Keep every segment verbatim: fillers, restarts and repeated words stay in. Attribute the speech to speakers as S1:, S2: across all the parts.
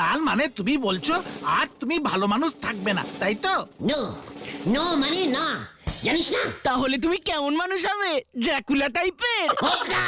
S1: তার মানে তুমি বলছো আর তুমি ভালো মানুষ থাকবে না, তাই তো?
S2: নো নো মানে না, জানিস না?
S3: তাহলে তুমি কেমন মানুষ হবে? ড্রাকুলা টাইপের?
S2: হোকা!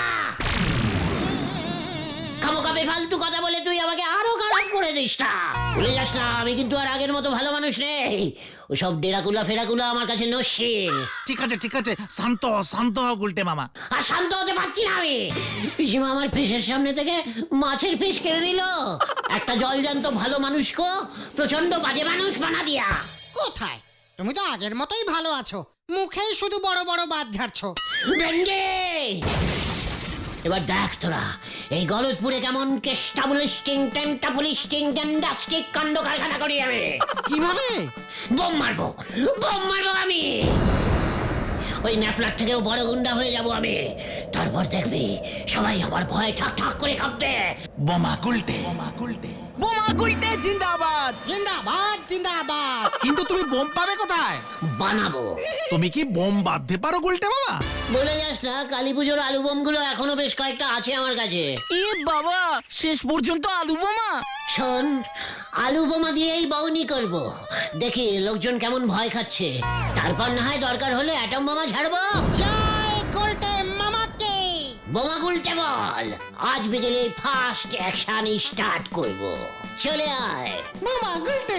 S2: খামোকা বেফালতু কথা বলে তুই আমাকে আরো খারাপ করে দিস না। ভুলে যাস না, আমি কিন্তু আর আগের মতো ভালো মানুষ নেই। ওসব ডেরাকুলা ফেরাকুলা আমার কাছে নস্যি।
S1: ঠিক আছে ঠিক আছে, শান্ত হও, শান্ত হও গুলটে মামা।
S2: আর শান্ত হতে পারছি না আমি। পিসিমা আমার ফিসের সামনে থেকে মাছের ফিস কেড়ে নিল। একটা জলজান্ত ভালো মানুষকে প্রচন্ড বাজে মানুষ বানা দিয়া।
S4: কোথায়? তুমি তো আগের মতোই ভালো আছো, মুখেই শুধু বড় বড় বাদ ঝাড়ছো।
S2: ভেন্ডি! এবার দেখ তোরা এই গলতপুরে কেমন কেস্টাবলিস্টিং টেন্টাবলিস্টিং গ্যান্ডাস্টিক কাণ্ড কারখানা করি আমি।
S4: কিভাবে?
S2: বোম মারবো, বোম মারবো আমি। ওই ন্যাপলার থেকেও বড় গুন্ডা হয়ে যাব আমি। তারপর দেখবি সবাই আমার ভয় ঠাক ঠাক করে কাঁপবে।
S1: বোমা গুলটে, বোমা গুলটে।
S3: বোমা গুলটে জিন্দাবাদ!
S4: জিন্দাবাদ জিন্দাবাদ।
S1: কিন্তু তুমি বোম পাবে কোথায়?
S2: বানাবো।
S1: তুমি কি বোম বাঁধতে পারো গুলটে মামা?
S2: বলে যাস না, কালী পুজোর আলু বোম গুলো এখনো বেশ কয়েকটা আছে আমার কাছে।
S3: এ বাবা, শেষ পর্যন্ত আলু বোমা?
S2: শোন, আলু বোমা দিয়েই বাউনি করব। দেখি লোকজন কেমন ভয় খাচ্ছে, তারপর না হয় দরকার হলে অ্যাটম বোমা ছাড়বো।
S4: জয় গোল্টে মামাকে।
S2: বোমা গুলটে বল, আজ বিকেলে ফার্স্ট অ্যাকশন স্টার্ট করব। চলে আয়
S4: মামা গোল্টে।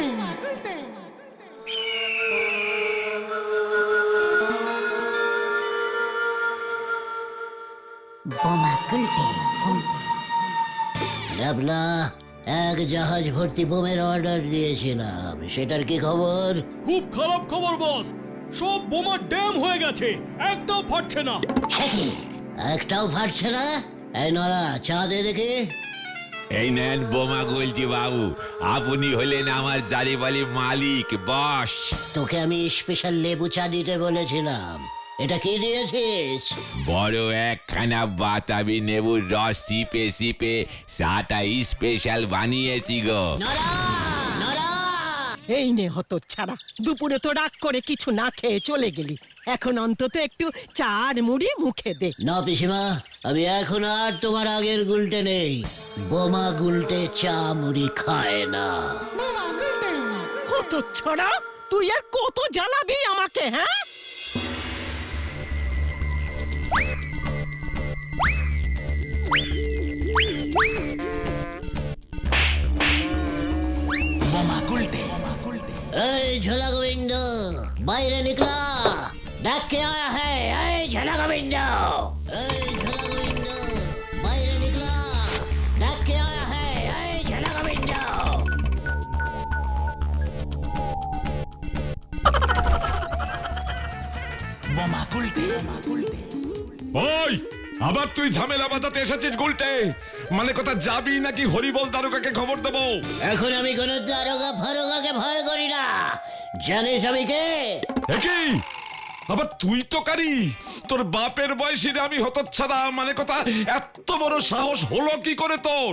S2: বোমা গুলটে। ডাবলা, এক জাহাজ ভর্তি বোমের অর্ডার দিয়েছিলাম, সেটার কি খবর?
S5: খুব খারাপ খবর বস, সব বোমা ড্যাম হয়ে গেছে, একটাও ফাটছে না।
S2: সে কি, একটাও ফাটছে না? এই নরা, চা দে দেখি।
S6: এই নেন বোমা গুলটি বাবু, আপনি হলেন আমার জারিবালি মালিক, বস।
S2: তোকে আমি স্পেশাল লেবু চা দিতে বলেছিলাম, এটা কি দিয়েছিস?
S6: বড় একখানা বাতাবি নেবুর রস চিপে চিপে চাটা স্পেশাল বানিয়েছি গো।
S2: নরা, নরা!
S3: এই নে হতো ছাড়া, দুপুরে তো রাগ করে কিছু না খেয়ে চলে গেলি, এখন অন্তত একটু চা আর মুড়ি মুখে দে।
S2: না পিসিমা, আমি এখন আর তোমার আগের গুলটে নেই। বোমা গুলটে চা মুড়ি খায় না।
S3: হতো ছড়া, তুই আর কত জ্বালাবি আমাকে, হ্যাঁ?
S1: বোমা গুলটে, বোমা গুলটে।
S2: এই ঝোলা গোবিন্দ, বাইরে নিকলা, দেখ কে আয়া है। এই ঝোলা গোবিন্দ, এই ঝোলা গোবিন্দ, বাইরে নিকলা, দেখ কে আয়া है। এই ঝোলা গোবিন্দ।
S1: বোমা গুলটে, বোমা গুলটে।
S7: ওই আবার তুই ঝামেলা বাঁধাতে এসেছিস গুলটে? মানে কথা যাবি নাকি হরিবল দারোগাকে খবর দেবো?
S2: এখন আমি কোন দারোগা ফারোগাকে ভয় করি না, জানিস আমি কে?
S7: একই আবার তুই তো কারি, তোর বাপের বয়সীরে আমি হতচ্ছাড়া, মানে কথা এত বড় সাহস হলো কি করে তোর?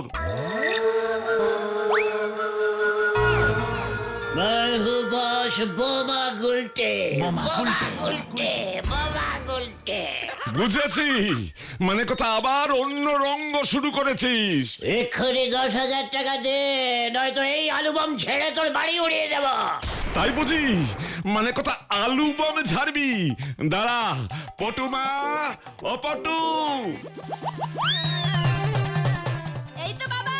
S2: मैं हूँ बॉस বোমা গুলটে।
S1: বোমা গুলটে,
S2: গুলটে, বোমা গুলটে।
S7: বুঝেছি, মানে কথা আবার অন্য রঙ্গ শুরু করেছিস।
S2: এক্ষুনি দশ হাজার টাকা দে, নয়তো এই আলু বম ছেড়ে তোর বাড়ি উড়িয়ে দেব।
S7: তাই বুঝি, মানে কথা আলু বম ঝাড়বি? দাঁড়া পটুমা, ও পটু।
S8: এই তো বাবা।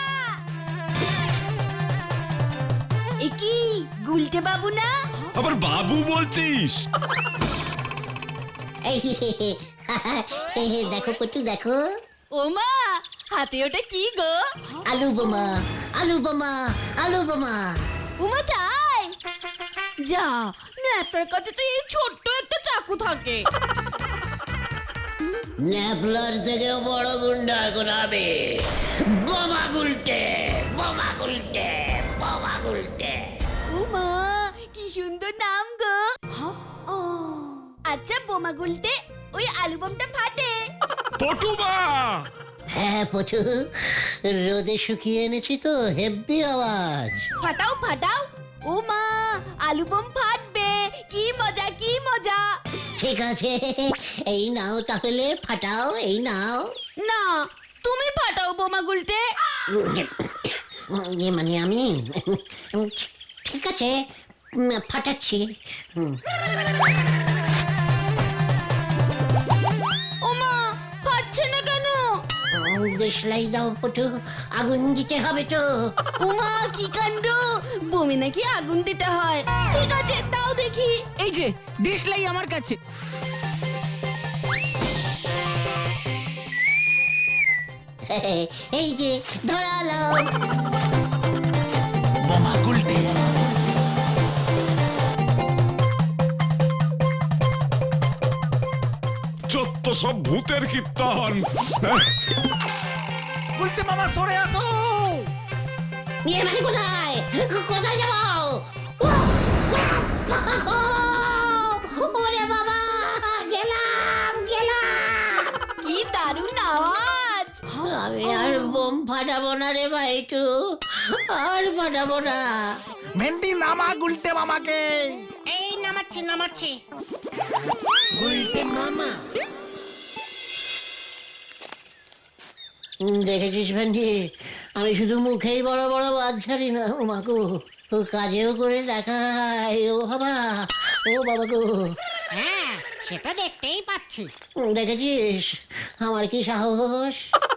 S8: এ কি গুলটে বাবু না?
S7: আবার বাবু বলছিস?
S2: দেখো পটু, দেখো
S8: ও মা, হাতে ওটা কি গো?
S2: আলু বোমা, আলু বোমা, আলু বোমা।
S8: উমা তাই? যা, ন্যাপের কাছে তো এই ছোট্ট একটা চাকু থাকে।
S2: ন্যাপলার থেকেও বড় গুন্ডা এখন আমি। বোমা গুলটে, বোমা গুলটে, বোমা গুলটে।
S8: উমা, কি সুন্দর নাম গো। আচ্ছা বোমা গুলটে, ওই আলু বোমটা ফাটে?
S7: পটুমা!
S2: হ্যাঁ পটু, রোদে শুকিয়ে এনেছি তো, হেব্বি আওয়াজ।
S8: ফাটাও ফাটাও। ও মা, আলু বোম ফাটবে, কি মজা কি মজা।
S2: ঠিক আছে, এই নাও তাহলে, ফাটাও, এই নাও।
S8: না, তুমি ফাটাও বোমা গুলটে।
S2: উম, ইয়ে মানে আমি উম, ঠিক আছে উম, ফাটাচ্ছি হুম।
S8: ওমা ফাটছে না কেন?
S2: উম, দেশলাই দাও পটু, আগুন দিতে হবে তো।
S8: ওমা কি কাণ্ড, বমি নাকি আগুন দিতে হয়? ঠিক আছে তাও দেখি।
S3: এই যে দেশলাই আমার কাছে।
S2: এই যে ধরালো।
S1: বোমা গুলটে।
S7: যত সব ভূতের কীর্তন।
S1: গুলটে মামা সরে আসো।
S2: ইয়ে মানে কোথায় কোথায় যাবো? ওরে বাবা, গেলাম গেলাম।
S8: কি দারুণ আওয়াজ!
S2: আমি আর বোম ফাটাবো না রে ভাইটু, আর ফাটাবো না।
S1: ভেন্ডি নামা গুলটে মামাকে।
S4: এই নামাচ্ছি নামাচ্ছি।
S2: গুলটে মামা দেখেছিস ভেন্ডি, আমি শুধু মুখেই বড় বড় বাদ ছাড়ি না, ও মাগো, ও কাজেও করে দেখাই। ও বাবা, ও বাবা গো।
S4: হ্যাঁ সেটা দেখতেই পাচ্ছি।
S2: দেখেছিস আমার কি সাহস?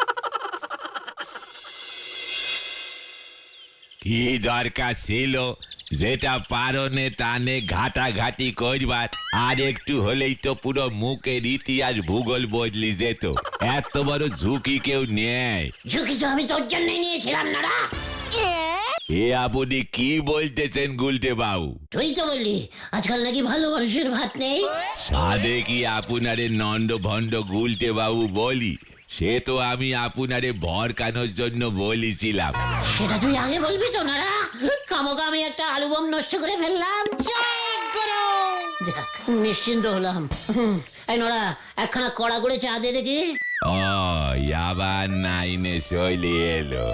S6: কি দরকার ছিল যেটা পারনে টানে ঘাটাঘাটি করবার, আর একটু হলেই তো পুরো মুখের ইতিহাস ভূগোল বদলি যেত। এত বড় ঝুঁকি কেউ নেয়?
S2: ঝুঁকি তো আমি তোর জন্যই নিয়েছিলাম না রা।
S6: এ আপনি কি বলতেছেন গুলটে বাবু?
S2: তুই তো বললি আজকাল নাকি ভালো মানুষের ভাত নেই।
S6: সাধে কি আপনারে নন্দ ভণ্ড গুলটে বাবু বলি? সে তো আমি আপনারে ভরকানোর জন্য বলেছিলাম।
S2: সেটা তুই আগে বলবি তো না রা। কামকা আমি একটা আলু বম নষ্ট করে ফেললাম।
S4: জয় গুরু।
S2: যাক, নিশ্চিন্ত হলাম। হুম, এই নোরা একখানা কড়া করে চা দে দেখি।
S6: ও আবার নাইনে চলে এলো।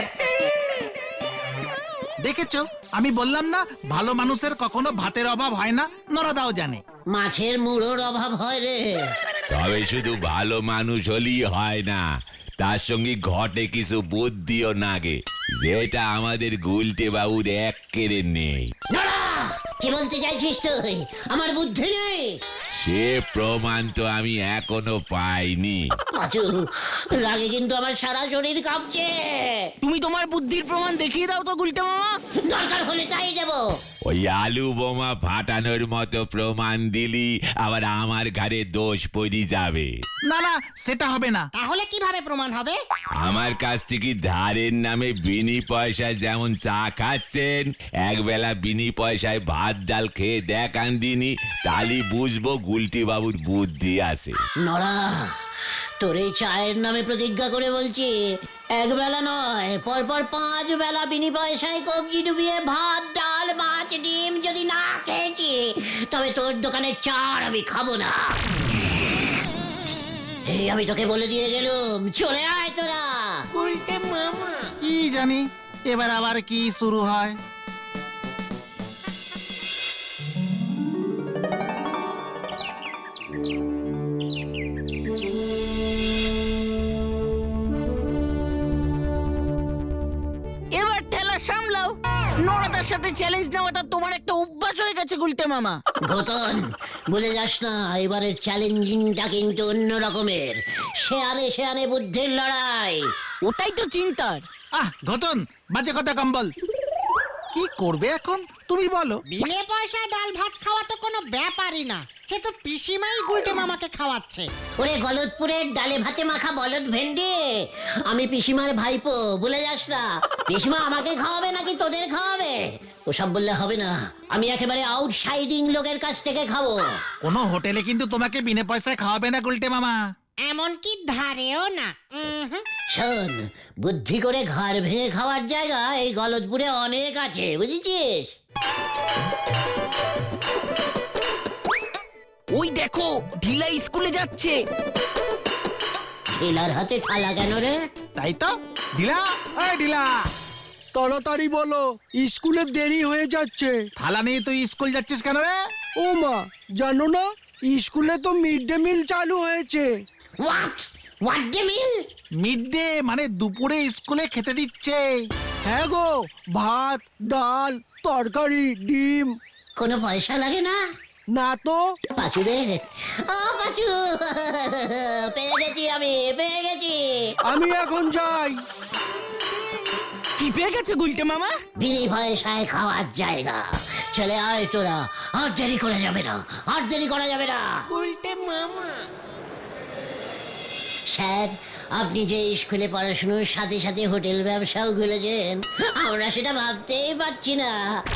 S1: দেখেছো, আমি বললাম না ভালো মানুষের কখনো ভাতের অভাব হয় না। নরাদাও জানে।
S2: মাছের মুড়োর অভাব হয় রে।
S6: তবে শুধু ভালো মানুষ হলেই হয় না, তার সঙ্গে ঘটে কিছু বুদ্ধিও নাগে, যেটা আমাদের গুলটে বাবুর এক কেড়ে নেই।
S2: নোরা, কি বলতে চাইছিস তুই? আমার বুদ্ধি নেই?
S6: সে প্রমাণ তো আমি এখনো পাইনি।
S2: পাঁচু, রাগে কিন্তু আমার সারা শরীর কাঁপছে।
S3: তুমি তোমার বুদ্ধির প্রমাণ দেখিয়ে দাও তো গুলটে মামা।
S2: দরকার হলে তাই দেবো।
S6: ওই আলু বোমা ফাটানোর মতো প্রমাণ দিলি আবার আমার ঘাড়ে দোষ পড়ি যাবে।
S1: না না, সেটা হবে না।
S4: তাহলে কিভাবে প্রমাণ হবে?
S6: আমার কাছ থেকে ধারের নামে বিনি পয়সায় যেমন চা খাচ্ছেন, একবেলা বিনি পয়সায় ভাত ডাল খেয়ে দেখান দিনি, তাহলে বুঝবো গুলটি বাবুর বুদ্ধি আছে।
S2: নরা, তোর এই চায়ের নামে প্রতিজ্ঞা করে বলছি, এক বেলা নয় পরপর পাঁচ বেলা বিনি পয়সায় কবজি ডুবিয়ে ভাত ডাল মাছ ডিম যদি না খেয়েছি, তবে তোর দোকানের চা আমি খাবো না। এই আমি তোকে বলে দিয়ে গেলুম, চলে আয় তোরা। উল্টে মামা।
S1: কি জানি এবার আবার কি শুরু হয়।
S3: এবার ঠেলা সামলাও। নরাদার সাথে চ্যালেঞ্জ নেওয়াটা তোমার একটা অভ্যাস হয়ে গেছে গুলটে মামা।
S2: ঘটন, বলে যাস না, এবারের চ্যালেঞ্জিংটা কিন্তু অন্য রকমের। শেয়ানে শেয়ানে বুদ্ধির লড়াই।
S3: ওটাই তো চিন্তার।
S1: আহ ঘটন, বাজে কথা কম বল। কি করবে এখন তুমি বলো?
S4: বিনে পয়সা ডাল ভাত খাওয়া তো কোনো ব্যাপারই না। সে তো পিসিমাই গুলটে মামাকে খাওয়াচ্ছে।
S2: ওরে গলদপুরের ডালে ভাতে মাখা বলদ ভেন্ডি, আমি পিসিমার ভাইপো, ভুলে যাস না। পিসিমা আমাকে খাওয়াবে নাকি তোদের খাওয়াবে ওসব বললে হবে না। আমি একেবারে আউটসাইডিং লোকের কাছ থেকে খাবো।
S1: কোনো হোটেলে কিন্তু তোমাকে বিনা পয়সায় খাওয়াবে না গুলটে মামা।
S4: এমনকি ধারেও না। উম হুম।
S2: শোন, বুদ্ধি করে ঘর ভেঙে খাওয়ার জায়গা এই গলদপুরে অনেক আছে, বুঝেছিস?
S3: ওই দেখো ঢিলা স্কুলে যাচ্ছে।
S2: ঠেলার হাতে থালা কেন রে?
S1: তাই তো। ঢিলা, এই ঢিলা,
S9: তাড়াতাড়ি বলো, স্কুলে দেরি হয়ে যাচ্ছে।
S1: থালা নিয়ে তুই স্কুল যাচ্ছিস কেন রে?
S9: ও মা, জানো না স্কুলে তো মিড ডে মিল চালু হয়েছে।
S2: What what day meal?
S1: Mid day মানে দুপুরে স্কুলে খেতে দিচ্ছে।
S9: হ্যাঁ গো, ভাত ডাল তরকারি ডিম।
S2: কোনো পয়সা লাগে না?
S9: না তো।
S2: পাঁচু রে, ও পাঁচু, পেয়ে গেছি আমি, পেয়ে গেছি।
S9: আমি এখন যাই।
S3: কি পেয়ে গেছে গুলটে মামা?
S2: বিনি পয়সায় খাওয়ার জায়গা। চলে আয় তোরা, আর দেরি করা যাবে না, আর দেরি করা যাবে না।
S4: গুলটে মামা।
S2: স্যার, আপনি যে স্কুলে পড়াশোনার সাথে সাথে হোটেল ব্যবসাও খুলেছেন, আমরা সেটা ভাবতেই পারছি না।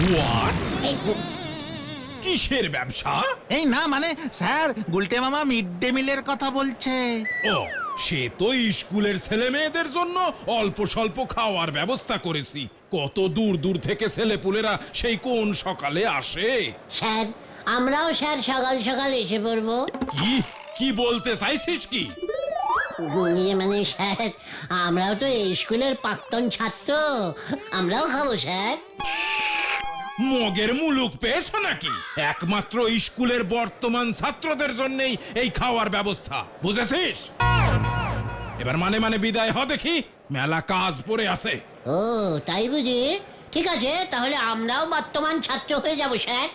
S5: কিসের ব্যবসা?
S1: এই না মানে স্যার, গুলটে মামা মিড ডে মিলের কথা বলছে।
S5: ও, সে তো স্কুলের ছেলে মেয়েদের জন্য অল্প স্বল্প খাওয়ার ব্যবস্থা করেছি। কত দূর দূর থেকে ছেলেপুলেরা সেই কোন সকালে আসে।
S2: স্যার, আমরাও স্যার সকাল সকাল এসে পড়বো।
S5: কি কি বলতে চাইছিস কি?
S2: ইয়ে মানে স্যার, আমরাও তো এই স্কুলের প্রাক্তন ছাত্র, আমরাও খাবো স্যার।
S5: মগের মুলুক পেয়েছো নাকি? একমাত্র স্কুলের বর্তমান ছাত্রদের জন্যই এই খাওয়ার ব্যবস্থা, বুঝেছিস? এবার মানে মানে বিদায় হ দেখি, মেলা কাজ পড়ে আছে।
S2: ও তাই বুঝি? ঠিক আছে, তাহলে আমরাও বর্তমান ছাত্র হয়ে যাব স্যার।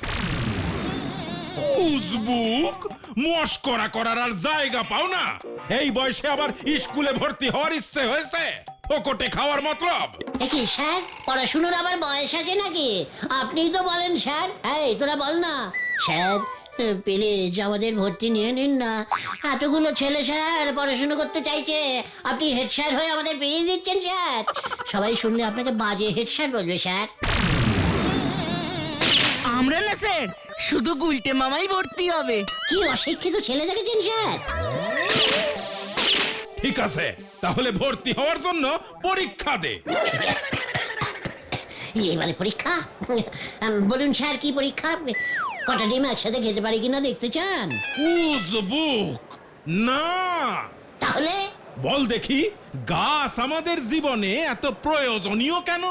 S5: উজবুক, মস্করা করার আর জায়গা পাও না? এই বয়সে আবার স্কুলে ভর্তি হওয়ার ইচ্ছে হয়েছে? ফোকটে খাওয়ার মতলব?
S2: কি স্যার, পড়াশুনোর আবার বয়স আছে নাকি? আপনিই তো বলেন স্যার। এই তোরা বল না স্যার, প্লিজ আমাদের ভর্তি নিয়ে নিন না। এতগুলো ছেলে স্যার পড়াশুনো করতে চাইছে, আপনি হেড স্যার হয়ে আমাদের বেরিয়ে দিচ্ছেন স্যার। সবাই শুনলে আপনাকে বাজে হেড স্যার বলবে স্যার।
S3: আমরা না স্যার, শুধু গুলটে মামাই ভর্তি হবে।
S2: কি অশিক্ষিত ছেলে দেখেছেন স্যার?
S5: ঠিক আছে, তাহলে ভর্তি হওয়ার জন্য পরীক্ষা দে।
S2: এবারে পরীক্ষা? বলুন স্যার, কি পরীক্ষা? কটা ডিম একসাথে খেতে পারি কিনা দেখতে চান?
S5: উজবুক না,
S2: তাহলে
S5: বল দেখি, গাছ আমাদের জীবনে এত প্রয়োজনীয় কেন?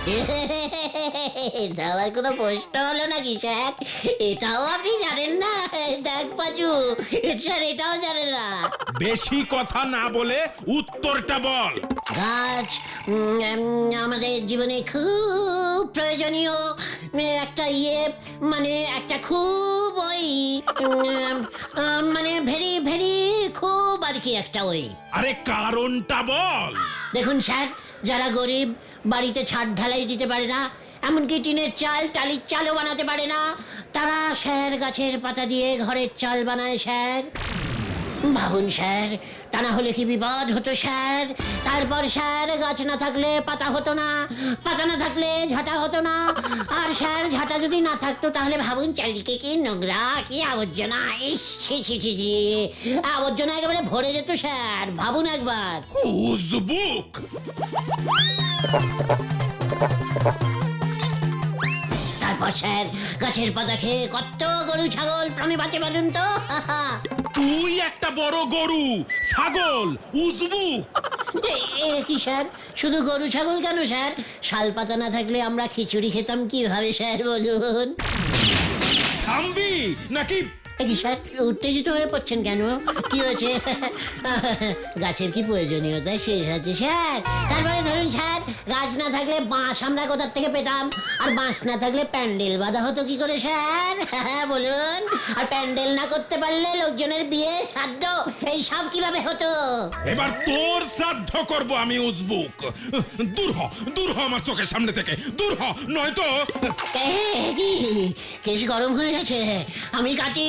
S2: যাওয়ার কোনো প্রশ্ন হলো নাকি স্যার? এটাও আপনি জানেন না? দেখ পাচু, স্যার এটাও জানে না।
S5: বেশি কথা না বলে উত্তরটা বল।
S2: গাছ উম, উম, আমাদের জীবনে খুব প্রয়োজনীয় একটা ইয়ে, মানে একটা খুব ওই উম, আহ, মানে ভেরি ভেরি খুব আর কি একটা ওই।
S5: আরে কারণটা বল।
S2: দেখুন স্যার, যারা গরিব, বাড়িতে ছাদ ঢালাই দিতে পারে না, এমনকি টিনের চাল টালির চালও বানাতে পারে না, তারা স্যার গাছের পাতা দিয়ে ঘরের চাল বানায় স্যার। ভাবুন স্যার, তা না হলে কি বিপদ হতো স্যার? তারপর স্যার, গাছ না থাকলে পাতা হতো না, পাতা না থাকলে ঝাঁটা হতো না, আর স্যার ঝাঁটা যদি না থাকতো তাহলে ভাবুন চারিদিকে কি নোংরা, কি আবর্জনা। ইস ছি ছি ছি ছি, আবর্জনা একেবারে ভরে যেত স্যার, ভাবুন একবার।
S5: উজবুক,
S2: তারপর স্যার, গাছের পাতা খেয়ে কত গরু ছাগল প্রাণী বাঁচে বলুন তো?
S5: তুই একটা বড় গরু ছাগল উজবুক।
S2: এ- এ কি স্যার, শুধু গরু ছাগল কেন স্যার? শাল পাতা না থাকলে আমরা খিচুড়ি খেতাম কিভাবে স্যার বলুন?
S5: থামবি নাকি?
S2: এ কি স্যার, উত্তেজিত হয়ে পড়ছেন কেন? কি হয়েছে? গাছের কি প্রয়োজনীয়তা শেষ আছে স্যার? তারপরে ধরুন স্যার, গাছ না থাকলে বাঁশ আমরা কোথার থেকে পেতাম, আর বাঁশ না থাকলে প্যান্ডেল বাঁধা হতো কি করে স্যার? বলুন। আর প্যান্ডেল না করতে পারলে লোকজনের বিয়ে শ্রাদ্ধ এই সব কিভাবে হতো?
S5: এবার তোর শ্রাদ্ধ করব আমি উজবুক। দূর হ, দূর হ আমার চোখের সামনে থেকে, দূর হ, নয়তো।
S2: এ, কি কেশ গরম হয়ে গেছে, আমি কাটি।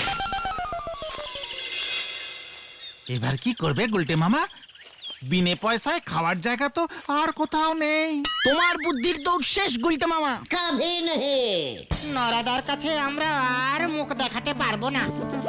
S1: এবার কি করবে গুলটে মামা? বিনে পয়সায় খাওয়ার জায়গা তো আর কোথাও নেই।
S3: তোমার বুদ্ধির দৌড় শেষ গুলটে মামা।
S2: কাভি নেই।
S4: নরাদার কাছে আমরা আর মুখ দেখাতে পারবো না।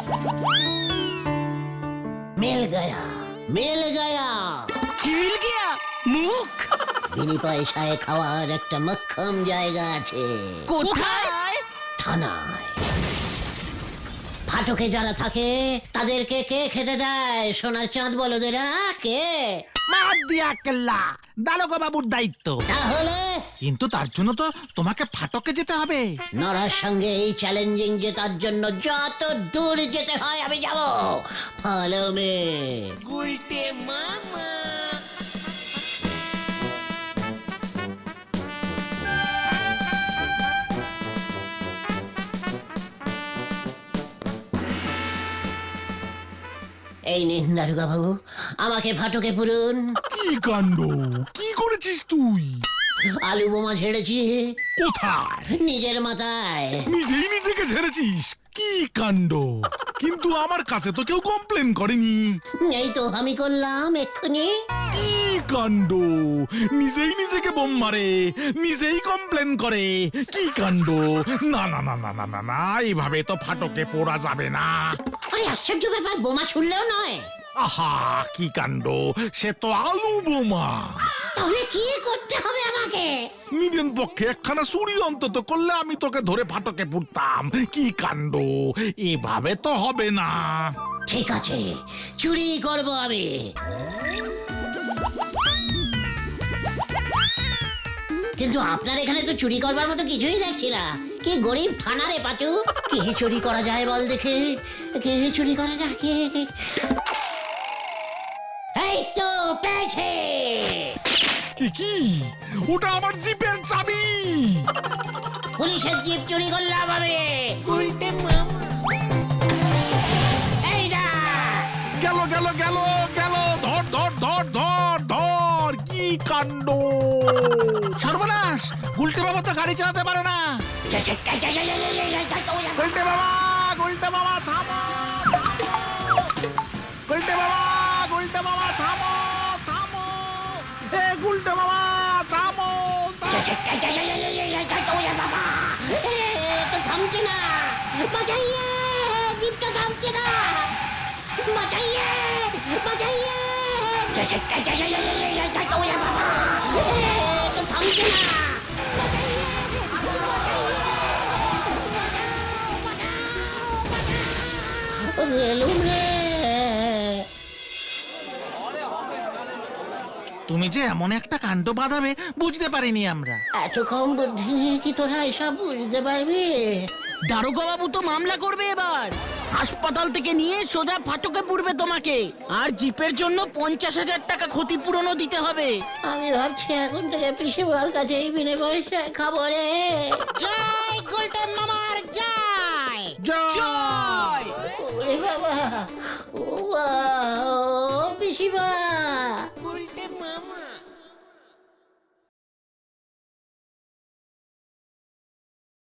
S2: মিল গয়া, মিল গয়া।
S3: কি মিল গিয়া? মুখ?
S2: বিনি পয়সায় খাওয়ার একটা মক্ষম জায়গা আছে।
S3: কোথায়?
S2: থানায়। ফাটকে যারা থাকে তাদেরকে কে খেতে দেয়? সোনার চাঁদ বলদেরা কে?
S1: মার দিয়া কেল্লা, দারোগা বাবুর দায়িত্ব।
S2: তাহলে
S1: কিন্তু তার জন্য তো তোমাকে ফাটকে যেতে হবে।
S2: নরার সঙ্গে এই চ্যালেঞ্জিং জেতার জন্য যত দূর যেতে হয় আমি যাব। Follow me.
S4: গুলটে মামা।
S2: এই নিন দারোগা বাবু, আমাকে ফাটকে পুরুন।
S1: কি কাণ্ড, কি করেছিস তুই?
S2: আলু বোমা ঝেড়েছি।
S1: কোথায়?
S2: নিজের মাথায়।
S1: নিজেই নিজেকে ঝেড়েছিস? কি কাণ্ড! কিন্তু আমার কাছে তো কেউ কমপ্লেন করেনি।
S2: এই তো আমি করলাম এক্ষুনি।
S1: কি কাণ্ড! নিজেই নিজেকে বোম মারে, নিজেই কমপ্লেন করে। কি কাণ্ড! না না না না না না না, এইভাবে তো ফাটকে পোড়া যাবে না।
S2: আরে আশ্চর্য ব্যাপার, বোমা ছুড়লেও নয়।
S1: আহা, কি কাণ্ড! সে তো আলু বোমা।
S2: তাহলে কি করতে হবে আমাকে?
S1: নিজের পক্ষে একখানা চুরি অন্তত করলে আমি তোকে ধরে ফাটকে পুড়তাম। কি কাণ্ড! এভাবে তো হবে না।
S2: ঠিক আছে, চুরি করব আমি। কিন্তু আপনার এখানে তো চুরি করবার মতো কিছুই দেখছি না। কি গরিব থানা রে পাচু, কি চুরি করা যায় বল দেখে, কি চুরি করা যায়? এই তো পেয়েছে।
S1: এ কি? ওটা আমার জিপের চাবি।
S2: পুলিশের জিপ চুরি করলাম আমি। উল্টে মামা, এই না
S1: গেল গেল গেল গেল, ধর ধর ধর ধর ধর। কি কাণ্ড! সর্বনাশ, গুলটে বাবা তো গাড়ি চালাতে পারে না। গুলটে বাবা, গুলটে বাবা থামো! গুলটে বাবা, গুলটে বাবা থামো, থামো! এ গুলটে বাবা থামো!
S2: তো থামছে না, বাঁচাইয়ে, জিপটা থামছে না, বাঁচাইয়ে, বাঁচাইয়ে, তো থামছে না। গেলুম রে।
S1: তুমি যে এমন একটা কাণ্ড বাঁধাবে বুঝতে পারিনি আমরা।
S2: এত কম বুদ্ধি নিয়ে কি তোরা এসব বুঝতে পারবি?
S3: দারোগা বাবু তো মামলা করবে এবার। হাসপাতাল থেকে নিয়ে সোজা ফাটকে পুড়বে তোমাকে, আর জিপের জন্য পঞ্চাশ হাজার টাকা ক্ষতিপূরণও দিতে হবে।
S2: আমি ভাবছি এখন থেকে পিসিমার কাছে এই বিনে পয়সায় খাবো রে।
S4: জয় গুলটে মামার জয়।
S3: জয়!
S2: ওরে বাবা, ও বাবা, ও পিসিমা।
S4: গুলটে মামা